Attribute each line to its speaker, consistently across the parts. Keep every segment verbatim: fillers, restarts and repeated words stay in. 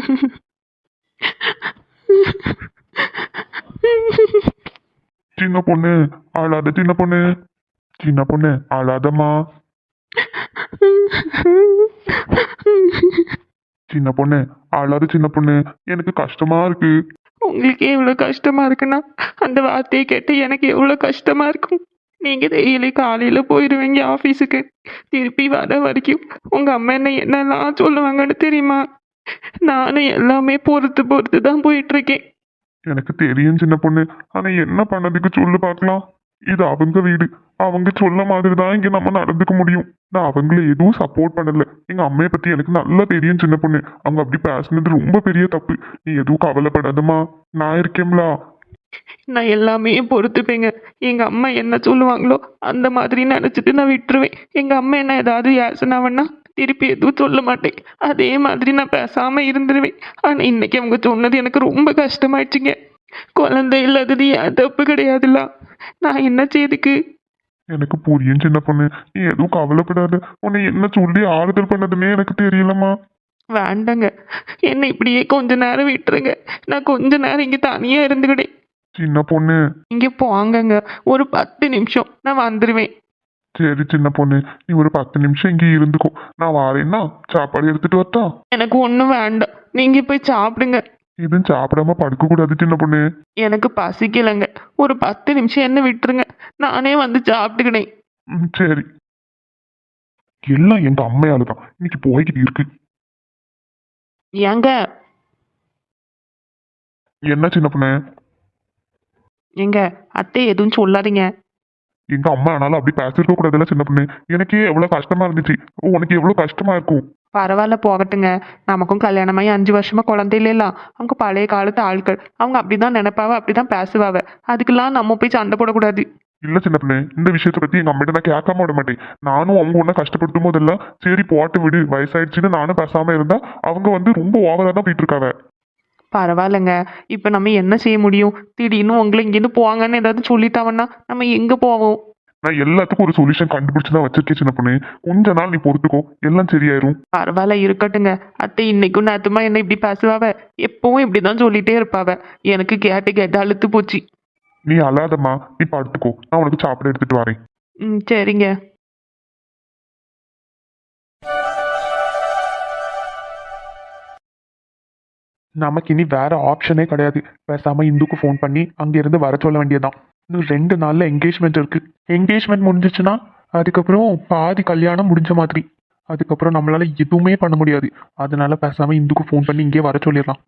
Speaker 1: சின்ன பொண்ணு அழாத, சின்ன பொண்ணு, சின்ன பொண்ணு அழாதம்மா, சின்ன பொண்ணு அழாத, சின்ன பொண்ணு, எனக்கு கஷ்டமா இருக்கு.
Speaker 2: உங்களுக்கு எவ்வளோ கஷ்டமா இருக்குன்னா அந்த வார்த்தையை கேட்டு எனக்கு எவ்வளோ கஷ்டமா இருக்கும். நீங்கள் டெய்லி காலையில் போயிடுவீங்க ஆஃபீஸுக்கு, திருப்பி வர வரைக்கும் உங்கள் அம்மா என்ன என்னெல்லாம் சொல்லுவாங்கன்னு தெரியுமா? நானும் எல்லாமே பொறுத்து பொறுத்து தான் போயிட்டுருக்கேன்.
Speaker 1: எனக்கு தெரியும் சின்ன பொண்ணு, ஆனா என்ன பண்ணதுக்கு சொல்லு பார்க்கலாம். இது அவங்க வீடு, அவங்க சொல்ல மாதிரி தான் இங்க நம்ம நடந்துக்க முடியும். நான் அவங்கள எதுவும் சப்போர்ட் பண்ணல. எங்க அம்மையை பத்தி எனக்கு நல்லா தெரியும் சின்ன பொண்ணு. அவங்க அப்படி பேசுனது ரொம்ப பெரிய தப்பு. நீ எதுவும் கவலைப்படாதம்மா, நான் இருக்கேன்ல.
Speaker 2: நான் எல்லாமே பொறுத்துப்பேங்க. எங்கள் அம்மா என்ன சொல்லுவாங்களோ அந்த மாதிரி நினச்சிட்டு நான் விட்டுருவேன். எங்கள் அம்மா என்ன ஏதாவது யாசனாவன்னா திருப்பி எதுவும் சொல்ல மாட்டேன். அதே மாதிரி நான் பேசாமல் இருந்துருவேன். ஆனால் இன்னைக்கு அவங்க சொன்னது எனக்கு ரொம்ப கஷ்டமாயிடுச்சுங்க. குழந்தை இல்லாதது என் தப்பு கிடையாதுல்ல, நான் என்ன செய்துக்கு?
Speaker 1: எனக்கு புரியும் சின்ன பொண்ணு, நீ எதுவும் கவலைப்படாத. உன்னை என்ன சொல்லி ஆறுதல் பண்ணதுன்னே எனக்கு தெரியலம்மா.
Speaker 2: வேண்டாங்க, என்னை இப்படியே கொஞ்ச நேரம் விட்டுருங்க. நான் கொஞ்ச நேரம் இங்கே தனியாக இருந்துக்கிட்டேன்.
Speaker 1: சின்ன பொண்ணு,
Speaker 2: இங்கே போங்கங்க, ஒரு பத்து நிமிஷம் நான் வந்துடுவேன்.
Speaker 1: சரி சின்ன பொண்ணு, நீ ஒரு பத்து நிமிஷம் இங்கே இருந்துக்கோ. நான் வாரேன்னா சாப்பாடு எடுத்துட்டு வரட்டா?
Speaker 2: எனக்கு ஒன்றும் வேண்டாம், நீங்கள் போய் சாப்பிடுங்க.
Speaker 1: இதுவும் சாப்பிடாம படுக்க கூடாது சின்ன பொண்ணு.
Speaker 2: எனக்கு பசிக்கலைங்க, ஒரு பத்து நிமிஷம் என்ன விட்டுருங்க, நானே வந்து சாப்பிட்டுக்கினேன்.
Speaker 1: ம், சரி. எல்லாம் எங்க அம்மையால தான் இன்னைக்கு போய்கிட்டு இருக்கு.
Speaker 2: ஏங்க
Speaker 1: என்ன சின்ன பொண்ணு?
Speaker 2: எங்க அத்தை எதுவும் சொல்லாதீங்க.
Speaker 1: எங்க அம்மா ஆனாலும் அப்படி பேசிருக்க கூடாதுல்ல சின்ன பொண்ணு. எனக்கே எவ்வளவு கஷ்டமா இருந்துச்சு, உனக்கு எவ்வளவு கஷ்டமா இருக்கும்.
Speaker 2: பரவாயில்ல போகட்டுங்க, நமக்கும் கல்யாணமாகி அஞ்சு வருஷமா குழந்தை இல்லைலாம். அவங்க பழைய காலத்து ஆட்கள், அவங்க அப்படிதான் நினைப்பாவ, அப்படிதான் பேசுவாவ. அதுக்கெல்லாம் நம்ம போய் சண்டை போடக்கூடாது.
Speaker 1: இல்ல சின்ன பொண்ணு, இந்த விஷயத்தை பத்தி எங்க அம்மிட்ட நான் கேட்காம விட மாட்டேன். நானும் அவங்க ஒன்னும் கஷ்டப்படுத்தும் போதெல்லாம் சரி போட்டு விடு, வயசாயிடுச்சுன்னு நானும் பேசாம இருந்தா அவங்க வந்து ரொம்ப ஓவரா தான் போயிட்டு இருக்காவ.
Speaker 2: பரவாயில்லைங்க, இப்போ நம்ம என்ன செய்ய முடியும்? திடீர்னு உங்களை இங்கேருந்து போவாங்கன்னு ஏதாவது சொல்லிட்டாங்கன்னா நம்ம எங்கே போவோம்?
Speaker 1: நான் எல்லாத்துக்கும் ஒரு சொல்யூஷன் கண்டுபிடிச்சு தான் வச்சிருக்கேன் சின்ன பொண்ணு. கொஞ்ச நாள் நீ பொறுத்துக்கோ, எல்லாம் சரியாயிரும்.
Speaker 2: பரவாயில்ல இருக்கட்டுங்க. அத்தை இன்னைக்கும் நேத்துமா என்ன இப்படி பேசுவாவ? எப்பவும் இப்படிதான் சொல்லிட்டே இருப்பாவ. எனக்கு கேட்டு கேட்டு அழுத்து போச்சு.
Speaker 1: நீ அழாதம்மா, நீ படுத்துக்கோ, நான் உனக்கு சாப்பிட எடுத்துட்டு வரேன்.
Speaker 2: ம் சரிங்க.
Speaker 1: நமக்கு இனி வேற ஆப்ஷனே கிடையாது. பேசாம இந்துக்கு ஃபோன் பண்ணி அங்கிருந்து வர சொல்ல வேண்டியதான். இன்னும் ரெண்டு நாள்ல என்கேஜ்மெண்ட் இருக்கு. என்கேஜ்மெண்ட் முடிஞ்சிச்சுன்னா அதுக்கப்புறம் பாதி கல்யாணம் முடிஞ்ச மாதிரி. அதுக்கப்புறம் நம்மளால எதுவுமே பண்ண முடியாது. அதனால பேசாம இந்துக்கு ஃபோன் பண்ணி இங்கே வர சொல்லிடலாம்.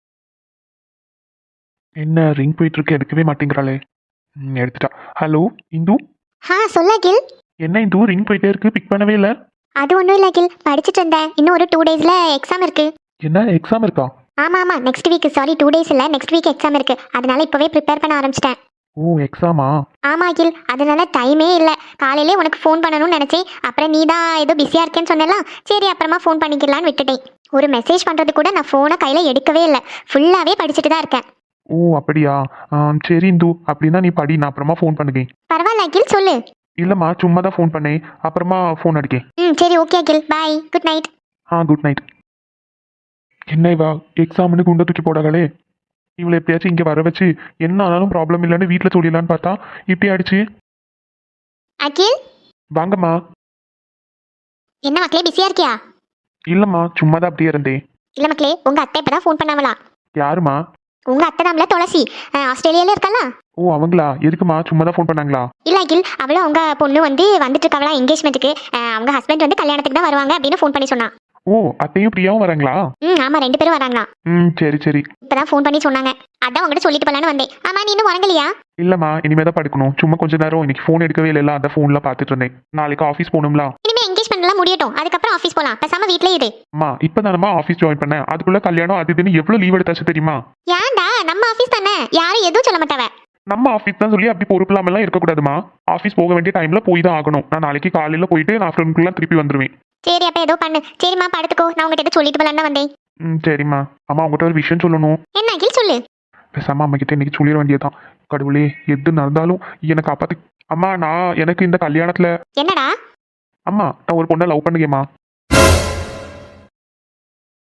Speaker 1: என்ன ரிங் போயிட்டு இருக்கு, எடுக்கவே மாட்டேங்கிறாளே. ம், எடுத்துட்டா. ஹலோ இந்து.
Speaker 3: ஆ சொல்ல அகில்.
Speaker 1: என்ன இந்து ரிங் போயிட்டே இருக்கு, பிக் பண்ணவே இல்லை.
Speaker 3: அது ஒன்றும் இல்லை அகில், படிச்சுட்டு இருந்தேன். இன்னும் ஒரு டூ டேஸில் எக்ஸாம் இருக்கு.
Speaker 1: என்ன எக்ஸாம் இருக்கா?
Speaker 3: ஆமாம் ஆமாம், next week. Sorry, two days இல்லை, நெக்ஸ்ட் வீக் எக்ஸாம் இருக்கு. அதனால இப்போவே ப்ரிப்பேர் பண்ண ஆரம்பிச்சிட்டேன்.
Speaker 1: ஓ எக்ஸாமா?
Speaker 3: ஆமாம் அகில், அதனால டைமே இல்லை. காலையிலே உனக்கு ஃபோன் பண்ணணும்னு நினச்சேன். அப்புறம் நீ தான் ஏதோ பிஸியாக இருக்கேன்னு சொன்னலாம். சரி அப்புறமா ஃபோன் பண்ணிக்கலான்னு விட்டுட்டேன். ஒரு மெசேஜ் பண்ணுறது கூட நான் ஃபோனை கையில் எடுக்கவே இல்லை. ஃபுல்லாகவே படிச்சுட்டு தான் இருக்கேன்.
Speaker 1: ஓ அப்படியா? சரி இந்து, அப்படின்னா நீ படி, நான் அப்புறமா ஃபோன் பண்ணுங்க.
Speaker 3: பரவாயில்ல அகில், சொல்லு.
Speaker 1: இல்லைம்மா, சும்மா தான் ஃபோன் பண்ணேன், அப்புறமா ஃபோன் அடிக்கேன்.
Speaker 3: ம் சரி okay Akhil, bye, good night.
Speaker 1: ஆ குட் நைட். என்ன இவா எக்ஸாம்னு குண்டை தூக்கி போடாங்களே. இவளை எப்படியாச்சும் இங்கே வர வச்சு என்ன ஆனாலும் ப்ராப்ளம் இல்லைன்னு வீட்டில் சொல்லிடலான்னு பார்த்தா இப்படி ஆயிடுச்சு.
Speaker 3: அகில்,
Speaker 1: வாங்கம்மா.
Speaker 3: என்ன மக்களே பிஸியாக இருக்கியா?
Speaker 1: இல்லைம்மா, சும்மா தான் அப்படியே இருந்தேன்.
Speaker 3: இல்லை மக்களே, உங்கள் அத்தை இப்போ தான் ஃபோன் பண்ணாமலா?
Speaker 1: யாருமா?
Speaker 3: உங்கள் அத்தை தான்ல, துளசி, ஆஸ்திரேலியாவில் இருக்கல.
Speaker 1: ஓ அவங்களா? எதுக்குமா? சும்மா தான் ஃபோன் பண்ணாங்களா?
Speaker 3: இல்லை அகில், அவளும் அவங்க பொண்ணு வந்து வந்துட்டு இருக்காங்களா என்கேஜ்மெண்ட்டுக்கு. அவங்க ஹஸ்பண்ட் வந்து கல்யாணத்துக்கு தான் வருவாங்க அப்படின்னு ஃபோன் பண்ணி சொன்னான்.
Speaker 1: ஓ அத்தையும் பிரியாவும் வராங்களா?
Speaker 3: ம் ஆமாம், ரெண்டு பேரும் வராங்களா.
Speaker 1: ம் சரி சரி.
Speaker 3: இப்போதான் ஃபோன் பண்ணி சொன்னாங்க. அதான் உங்கள்கிட்ட சொல்லிட்டு போலான்னு வந்தேன். ஆமாம், நீ இன்னும் வரங்கலையா?
Speaker 1: இல்லைம்மா, இனிமேல் தான் படுக்கணும். சும்மா கொஞ்ச நேரம் இன்னைக்கு ஃபோன் எடுக்கவே இல்லை, அந்த ஃபோனில் பார்த்துட்டு இருந்தேன். நாளைக்கு ஆஃபீஸ் போகணும்ல.
Speaker 3: இனிமேல் என்கேஜ்மெண்ட்லாம் முடியட்டும், அதுக்கப்புறம் ஆஃபீஸ் போகலாம். பேசாம வீட்டிலே இரு.
Speaker 1: அம்மா இப்போ தானம்மா ஆஃபீஸ் ஜாயின் பண்ணேன், அதுக்குள்ளே கல்யாணம் அது இதுன்னு எவ்வளோ லீவ் எடுத்தாச்சு தெரியுமா?
Speaker 3: ஏன்டா, நம்ம ஆஃபீஸ் தானே, யாரும் எதுவும் சொல்ல மாட்டாவ.
Speaker 1: நம்ம ஆஃபீஸ் தான் சொல்லி அப்படி பொறுப்பு இல்லாமலாம் இருக்கக்கூடாதுமா. ஆஃபீஸ் போக வேண்டிய டைம்ல போய் தான் ஆகணும். நான் நாளைக்கு காலையில் போயிட்டு நான் ஆஃப்டர்நூன்குலாம் திருப்பி வந்துடுவேன்.
Speaker 3: சரி அப்போ ஏதோ பண்ணு. சரிம்மா படுத்துக்கோ, நான் உங்ககிட்ட சொல்லிட்டு போலான்னு வந்தேன்.
Speaker 1: ம் சரிம்மா. அம்மா உங்கள்கிட்ட ஒரு விஷயம் சொல்லணும்.
Speaker 3: என்ன அகில், சொல்லு.
Speaker 1: பேசாம அம்மா கிட்ட இன்னைக்கு சொல்லிட வேண்டியதான். கடவுளே, எது நடந்தாலும் என்னை காப்பாத்து. அம்மா நான் எனக்கு இந்த கல்யாணத்துல.
Speaker 3: என்னடா?
Speaker 1: அம்மா நான் ஒரு பொண்ணை லவ் பண்ணுங்கம்மா.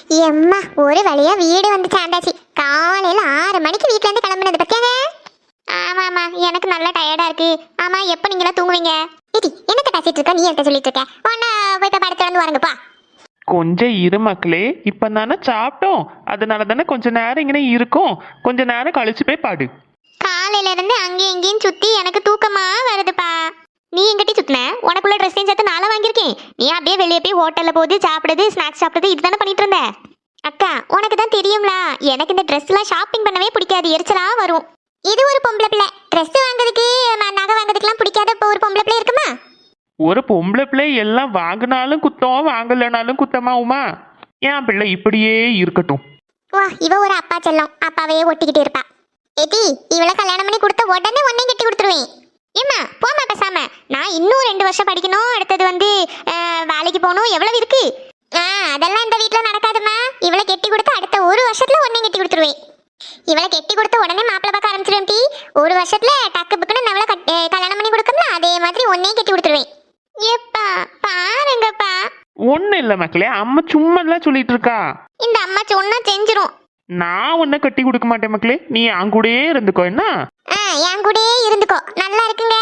Speaker 3: எம்மா ஒரு வழியா வீடு வந்து சேர்ந்தாச்சு. காலையில ஆறு மணிக்கு வீட்ல இருந்து கிளம்புனது பத்தியாங்க. ஆமா ஆமா எனக்கு நல்லா டயர்டா இருக்கு. ஆமா எப்ப நீங்களா தூங்குவீங்க? இடி என்னத்த பேசிட்டு இருக்க, நீ என்ன சொல்லிட்டு இருக்க? ஒன்னா போய் இப்ப படத்துல வந்து வாருங்கப்பா.
Speaker 2: கொஞ்சம் இரு மக்களே, இப்போ தானே சாப்பிட்டோம், அதனால தானே கொஞ்ச நேரம் இங்கே இருக்கும். கொஞ்ச நேரம் கழிச்சு போய் பாடு.
Speaker 3: காலையில இருந்து அங்கேயும் இங்கேயும் சுத்தி எனக்கு தூக்கமா வருதுப்பா. நீ எங்கிட்ட சுத்தின? உனக்குள்ள ட்ரெஸ்ஸையும் சேர்த்து நாளா வாங்கியிருக்கேன். நீ அப்படியே வெளியே போய் ஹோட்டல்ல போது சாப்பிடுறது, ஸ்நாக்ஸ் சாப்பிடுறது இதுதானே பண்ணிட்டு இருந்த. அக்கா உனக்கு தான் தெரியும்ல, எனக்கு இந்த ட்ரெஸ் எல்லாம் ஷாப்பிங் பண்ணவே பிடிக்காது, எரிச்சலா வரும். இது ஒரு பொம்பளை பிள்ளை ட்ரெஸ் வாங்குறதுக்கு நகை வாங்குறதுக்குலாம் பிடிக்காத இப்போ ஒரு பொம்பளை பிள்ளை இருக்குமா?
Speaker 2: ஒரு பொம்பளை பிள்ளை எல்லாம் வாங்கினாலும் குத்தம், வாங்கலைனாலும் குத்தமா உமா? என் பிள்ளை இப்படியே இருக்கட்டும்.
Speaker 3: வா இவ ஒரு அப்பா செல்லம், அப்பாவையே ஒட்டிக்கிட்டு இருப்பா. ஏடி இவளை கல்யாணம் பண்ணி கொடுத்த உடனே உன்னை கட்டி கொடுத்துருவேன். ஏம்மா போமா பேசாம. நான் இன்னும் ரெண்டு வருஷம் படிக்கணும், அடுத்தது வந்து வேலைக்கு போகணும், எவ்வளவு இருக்கு. ஆ அதெல்லாம் இந்த வீட்டில் நடக்காதுமா. இவளை கெட்டி கொடுத்து அடுத்த ஒரு வருஷத்துல உன்னை கட்டி கொடுத்துருவேன். இவளை கெட்டி கொடுத்த உடனே மாப்பிள்ளை பார்க்க ஆரம்பிச்சிருவேன். டி ஒரு வருஷத்துல டக்கு புக்குன்னு நம்மள கல்யாணம் பண்ணி கொடுக்கணும்ல, அதே மாதிரி உன்னையும் கட்டி கொடுத்துருவேன். எப்பா பாருங்கப்பா.
Speaker 2: ஒண்ணு இல்ல மக்களே, அம்மா சும்மா எல்லாம் சொல்லிட்டு இருக்கா.
Speaker 3: இந்த அம்மா சொன்னா செஞ்சிரும்.
Speaker 2: நான் உன்னை கட்டி கொடுக்க மாட்டேன் மக்களே, நீ என் கூடயே இருந்துக்கோ. என்ன
Speaker 3: என் கூடயே இருந்துக்கோ, நல்லா இருக்குங்க.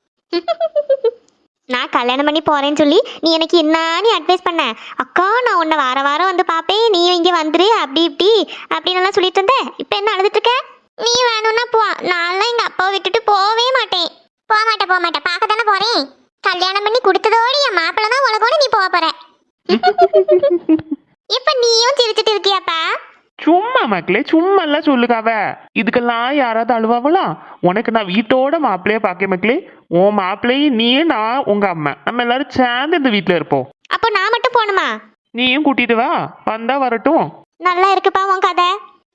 Speaker 3: நான் கல்யாணம் பண்ணி போறேன்னு சொல்லி நீ எனக்கு என்ன நீ அட்வைஸ் பண்ண? அக்கா நான் உன்னை வார வாரம் வந்து பாப்பேன், நீ இங்க வந்துரு, அப்படி இப்படி அப்படின்னு எல்லாம் சொல்லிட்டு இருந்த. இப்ப என்ன அழுதுட்டு இருக்க? நீ வேணும்னா போ, நான்லாம் எங்க அப்பாவை விட்டுட்டு போவே மாட்டேன். போக மாட்டேன் போக மாட்டேன், பார்க்க தானே போறேன். கல்யாணம் பண்ணி கொடுத்ததோடு என் மாப்பிள்ள தான் உலகோட நீ போக போற. இப்ப நீயும் சிரிச்சுட்டு இருக்கியாப்பா?
Speaker 2: சும்மா மக்களே, சும்மா எல்லாம் சொல்லுக்காவ. இதுக்கெல்லாம் யாராவது அழுவாவளா? உனக்கு நான் வீட்டோட மாப்பிள்ளைய பாக்க மக்களே. உன் மாப்பிள்ளையும் நீ, நான் உங்க அம்மா, நம்ம எல்லாரும் சேர்ந்து இந்த வீட்டுல இருப்போம்.
Speaker 3: அப்போ நான் மட்டும் போகணுமா?
Speaker 2: நீயும் கூட்டிட்டு வா, வந்தா வரட்டும்.
Speaker 3: நல்லா இருக்குப்பா உன் கதை.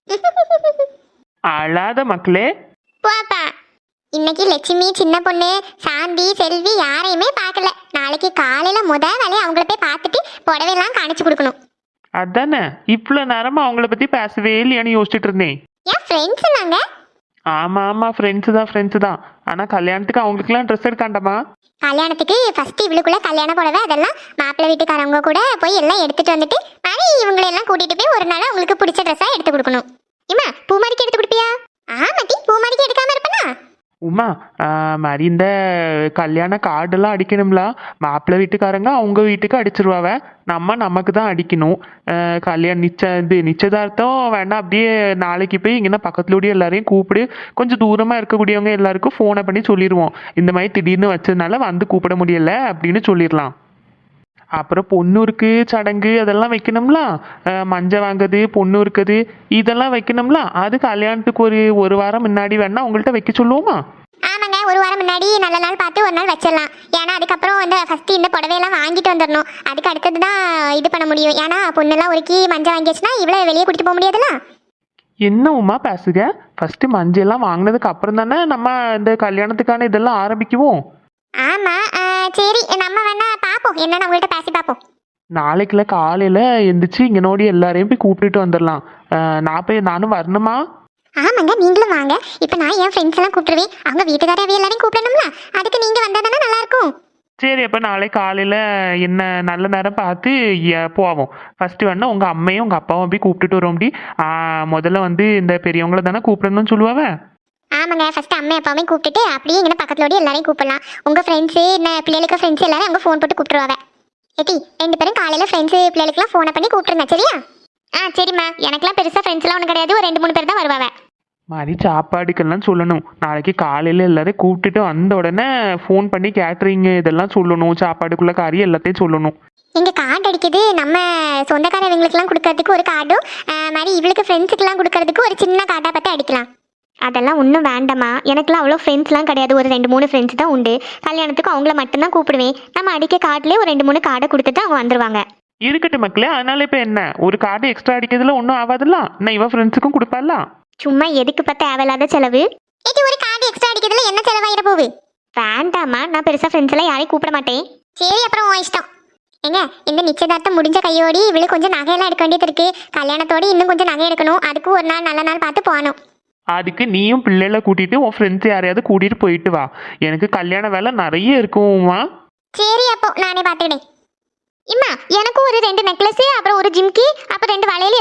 Speaker 2: அழாத மக்களே.
Speaker 3: போப்பா. இன்னைக்கு லட்சுமி, சின்ன பொண்ணு, சாந்தி, செல்வி யாரையுமே பார்க்கல. நாளைக்கு காலையில முத வேலையை அவங்கள போய் பார்த்துட்டு புடவையெல்லாம் காணிச்சு கொடுக்கணும்.
Speaker 2: அதானே இவ்வளவு நேரமா அவங்கள பத்தி பேசவே இல்லையான்னு யோசிச்சுட்டு இருந்தேன்.
Speaker 3: ஏன் ஃப்ரெண்ட்ஸ் நாங்க?
Speaker 2: ஆமா ஆமா ஃப்ரெண்ட்ஸ் தான் ஃப்ரெண்ட்ஸ் தான். ஆனா கல்யாணத்துக்கு அவங்களுக்குலாம் ட்ரெஸ் எடுக்காண்டாமா?
Speaker 3: கல்யாணத்துக்கு ஃபர்ஸ்ட் இவளுக்குள்ள கல்யாண புடவை அதெல்லாம் மாப்பிள்ளை வீட்டுக்காரவங்க கூட போய் எல்லாம் எடுத்துட்டு வந்துட்டு மாதிரி இவங்களை எல்லாம் கூட்டிட்டு போய் ஒரு நாள் அவங்களுக்கு பிடிச்ச ட்ரெஸ்ஸா எடுத்து கொடுக்கணும். இம்மா பூமாரிக்கு எடுத்து கொடுப்பியா? ஆமாட்டி பூமாரிக்கு எடுக்காம இருப்பனா?
Speaker 2: உமா மாதிரி இந்த கல்யாண கார்டெல்லாம் அடிக்கணும்ல, மாப்பிள்ளை வீட்டுக்காரங்க அவங்க வீட்டுக்கு அடிச்சிருவாவ, நம்ம நமக்கு தான் அடிக்கணும். கல்யாணம் நிச்ச இது நிச்சயதார்த்தம் வேணா அப்படியே நாளைக்கு போய் இங்கன்னா பக்கத்துலோடய எல்லாரையும் கூப்பிடு, கொஞ்சம் தூரமாக இருக்கக்கூடியவங்க எல்லாருக்கும் ஃபோனை பண்ணி சொல்லிடுவோம், இந்த மாதிரி திடீர்னு வச்சதுனால வந்து கூப்பிட முடியல அப்படின்னு சொல்லிடலாம். அப்புறம் பொண்ணூருக்கு சடங்கு அதெல்லாம் வைக்கணும்ல, மஞ்சள் வாங்குறது, பொண்ணு இருக்குது இதெல்லாம் வைக்கணும்ல. அது கல்யாணத்துக்கு ஒரு ஒரு வாரம் முன்னாடி வேணா உங்கள்கிட்ட வைக்க சொல்லுவோமா?
Speaker 3: ஆமாங்க, ஒரு வாரம் முன்னாடி நல்ல நாள் பார்த்து ஒரு நாள் வச்சிடலாம். ஏன்னா அதுக்கப்புறம் வந்து ஃபர்ஸ்ட் இந்த புடவையெல்லாம் வாங்கிட்டு வந்துடணும், அதுக்கு அடுத்தது தான் இது பண்ண முடியும். ஏன்னா பொண்ணெல்லாம் ஒருக்கி மஞ்சள் வாங்கிடுச்சுன்னா இவ்வளோ வெளியே கூட்டிட்டு போக முடியாதுல்ல.
Speaker 2: என்ன உமா பேசுக, ஃபர்ஸ்ட் மஞ்சள் எல்லாம் வாங்கினதுக்கு அப்புறம் தானே நம்ம இந்த கல்யாணத்துக்கான இதெல்லாம் ஆரம்பிக்குவோம்.
Speaker 3: ஆமா சரி, நம்ம வேணா பாப்போம், என்னன்னு உங்கள்கிட்ட பேசி பார்ப்போம்.
Speaker 2: நாளைக்குள்ள காலையில எந்திரிச்சு இங்க நோடி எல்லாரையும் போய் கூப்பிட்டுட்டு வந்துடலாம். நான் போய் நானும் வரணுமா?
Speaker 3: ஆமாங்க நீங்களும் வாங்க. இப்போ நான் என் ஃப்ரெண்ட்ஸ் எல்லாம் கூப்பிட்டுருவேன், அவங்க வீட்டுக்காரவே எல்லாரையும் கூப்பிடணும்ல, அதுக்கு நீங்க வந்தா தானே நல்லா இருக்கும்.
Speaker 2: சரி, அப்போ நாளை காலையில் என்ன நல்ல நேரம் பார்த்து போவோம். ஃபஸ்ட்டு வேணா உங்கள் அம்மையும் உங்கள் அப்பாவும் போய் கூப்பிட்டுட்டு வரோம். அப்படி முதல்ல வந்து இந்த பெரியவங்கள தானே கூப்பிடணும்னு சொல்லுவாங்க.
Speaker 3: ஆமாங்க, ஃபர்ஸ்ட் அம்மா அப்பாவே கூப்பிட்டுட்டு அப்படியே இங்கே பக்கத்துலோட எல்லாரையும் கூப்பிடலாம். உங்கள் ஃப்ரெண்ட்ஸு என்ன பிள்ளைகளுக்கு ஃப்ரெண்ட்ஸ் எல்லாரும் அவங்க ஃபோன் போட்டு கூப்பிட்டுருவாங்க. ஏட்டி ரெண்டு பேரும் காலையில் ஃப்ரெண்ட்ஸு பிள்ளைகளுக்குலாம் ஃபோனை பண்ணி கூப்பிட்டுருங்க சரியா? ஆ சரிம்மா, எனக்குலாம் பெருசாக ஃப்ரெண்ட்ஸ்லாம் ஒன்றும் கிடையாது, ஒரு ரெண்டு மூணு பேர் தான் வருவாங்க.
Speaker 2: மாதிரி சாப்பாடுக்கெல்லாம் சொல்லணும். நாளைக்கு காலையில் எல்லாரையும் கூப்பிட்டுட்டு வந்த உடனே ஃபோன் பண்ணி கேட்ரிங் இதெல்லாம் சொல்லணும், சாப்பாடுக்குள்ள காரி எல்லாத்தையும் சொல்லணும்.
Speaker 3: எங்கள் கார்டு அடிக்குது, நம்ம சொந்தக்காரவங்களுக்குலாம் கொடுக்கறதுக்கு ஒரு கார்டும் மாதிரி இவளுக்கு ஃப்ரெண்ட்ஸுக்கெல்லாம் கொடுக்கறதுக்கு ஒரு சின்ன கார்டாக பார்த்து அடிக்கலாம். அதெல்லாம் ஒன்றும் வேண்டாமா, எனக்குலாம் அவ்வளோ ஃப்ரெண்ட்ஸ்லாம் கிடையாது, ஒரு ரெண்டு மூணு ஃப்ரெண்ட்ஸ் தான் உண்டு. கல்யாணத்துக்கு அவங்கள மட்டும்தான் கூப்பிடுவேன். நம்ம அடிக்க கார்டுலேயே ஒரு ரெண்டு மூணு கார்டை கொடுத்துட்டு அவங்க வந்துடுவாங்க.
Speaker 2: இருக்கட்டும் மக்களே, அதனால இப்போ என்ன ஒரு கார்டு எக்ஸ்ட்ரா அடிக்கிறதுல ஒன்றும் ஆகாதுலாம். நான் இவன் ஃப்ரெண்ட்ஸுக்கும் கொடுப்பாலாம்.
Speaker 3: சும்மா எதுக்கு பார்த்து தேவையில்லாத செலவு. இது ஒரு கார்டு எக்ஸ்ட்ரா அடிக்கிறதுல என்ன செலவாயிட போகுது? வேண்டாமா, நான் பெருசாக ஃப்ரெண்ட்ஸ் எல்லாம் யாரையும் கூப்பிட மாட்டேன். சரி அப்புறம் உன் இஷ்டம். ஏங்க இந்த நிச்சயதார்த்தம் முடிஞ்ச கையோடி இவளுக்கு கொஞ்சம் நகையெல்லாம் எடுக்க வேண்டியது இருக்கு, கல்யாணத்தோடு இன்னும் கொஞ்சம் நகை எடுக்கணும், அதுக்கு ஒரு நாள் நல்ல நாள் பார்த்து போகணும்.
Speaker 2: அதுக்கு நீயும் பிள்ளைகளை கூட்டிட்டு உன் ஃப்ரெண்ட்ஸ் யாரையாவது கூட்டிட்டு போயிட்டு வா, எனக்கு கல்யாண வேலை நிறைய இருக்குமா.
Speaker 3: சரி அப்போ நானே பார்த்துக்கிட்டேன். இம்மா எனக்கும் ஒரு ரெண்டு நெக்லஸ், அப்புறம் ஒரு ஜிம்கி, அப்புறம் ரெண்டு வளையல்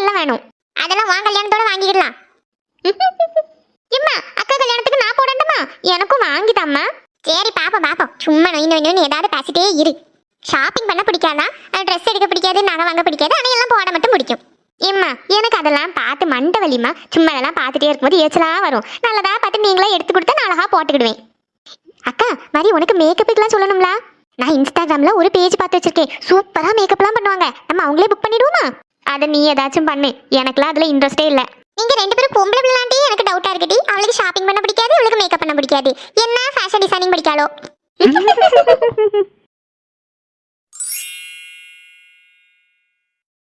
Speaker 3: எல்லாம் வேணும். அதெல்லாம் உன் கல்யாணத்தோட வாங்கிடலாம். இம்மா அக்கா கல்யாணத்துக்கு நான் போடணுமா? எனக்கும் வாங்கிதாம்மா. சரி பாப்போம் பாப்போம், சும்மா நொய் நொய் நொய்னு ஏதாவது பேசிட்டே இரு. ஷாப்பிங் பண்ண பிடிக்காதா? ட்ரெஸ் எடுக்க பிடிக்காது, நகை வாங்க பிடிக்காது, ஆனால் எல்லாம் போட மட்டும் பிடிக்கும். ஏம்மா எனக்கு அதெல்லாம் பார்த்து மண்டை வலிமா. சும்மா அதெல்லாம் பார்த்துட்டே இருக்கும்போது எரிச்சலாக வரும். நல்லதா பார்த்து நீங்களே எடுத்து கொடுத்தா நான் அழகா போட்டுக்கிடுவேன். அக்கா மாதிரி உனக்கு மேக்கப்புக்கெல்லாம் சொல்லணும்ல. நான் இன்ஸ்டாகிராமில் ஒரு பேஜ் பார்த்து வச்சிருக்கேன். சூப்பராக மேக்கப்லாம் பண்ணுவாங்க. நம்ம அவங்களே புக் பண்ணிடுவோமா? அதை நீ ஏதாச்சும் பண்ணு, எனக்குலாம் அதில் இன்ட்ரெஸ்டே இல்லை. நீங்கள் ரெண்டு பேரும் பொம்பளை பிள்ளாண்டி எனக்கு டவுட்டாக இருக்கட்டி. அவளுக்கு ஷாப்பிங் பண்ண பிடிக்காது, அவளுக்கு மேக்கப் பண்ண பிடிக்காது. என்ன ஃபேஷன் டிசைனிங் பிடிக்காளோ?